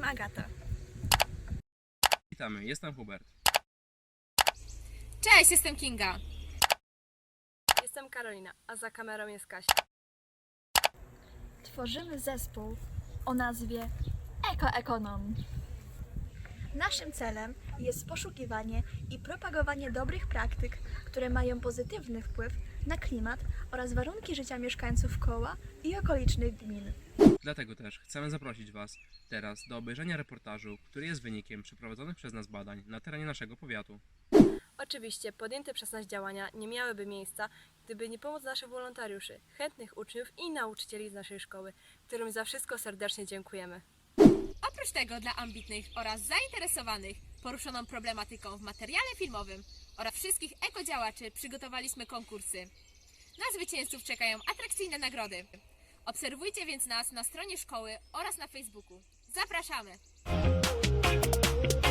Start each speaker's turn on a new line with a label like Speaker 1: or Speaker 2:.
Speaker 1: Agata.
Speaker 2: Witamy, jestem Hubert.
Speaker 3: Cześć, jestem Kinga.
Speaker 4: Jestem Karolina, a za kamerą jest Kasia.
Speaker 1: Tworzymy zespół o nazwie Ekoekonom. Naszym celem jest poszukiwanie i propagowanie dobrych praktyk, które mają pozytywny wpływ na klimat oraz warunki życia mieszkańców Koła i okolicznych gmin.
Speaker 2: Dlatego też chcemy zaprosić Was teraz do obejrzenia reportażu, który jest wynikiem przeprowadzonych przez nas badań na terenie naszego powiatu.
Speaker 4: Oczywiście podjęte przez nas działania nie miałyby miejsca, gdyby nie pomoc naszych wolontariuszy, chętnych uczniów i nauczycieli z naszej szkoły, którym za wszystko serdecznie dziękujemy.
Speaker 3: Oprócz tego dla ambitnych oraz zainteresowanych poruszoną problematyką w materiale filmowym oraz wszystkich ekodziałaczy przygotowaliśmy konkursy. Na zwycięzców czekają atrakcyjne nagrody. Obserwujcie więc nas na stronie szkoły oraz na Facebooku. Zapraszamy!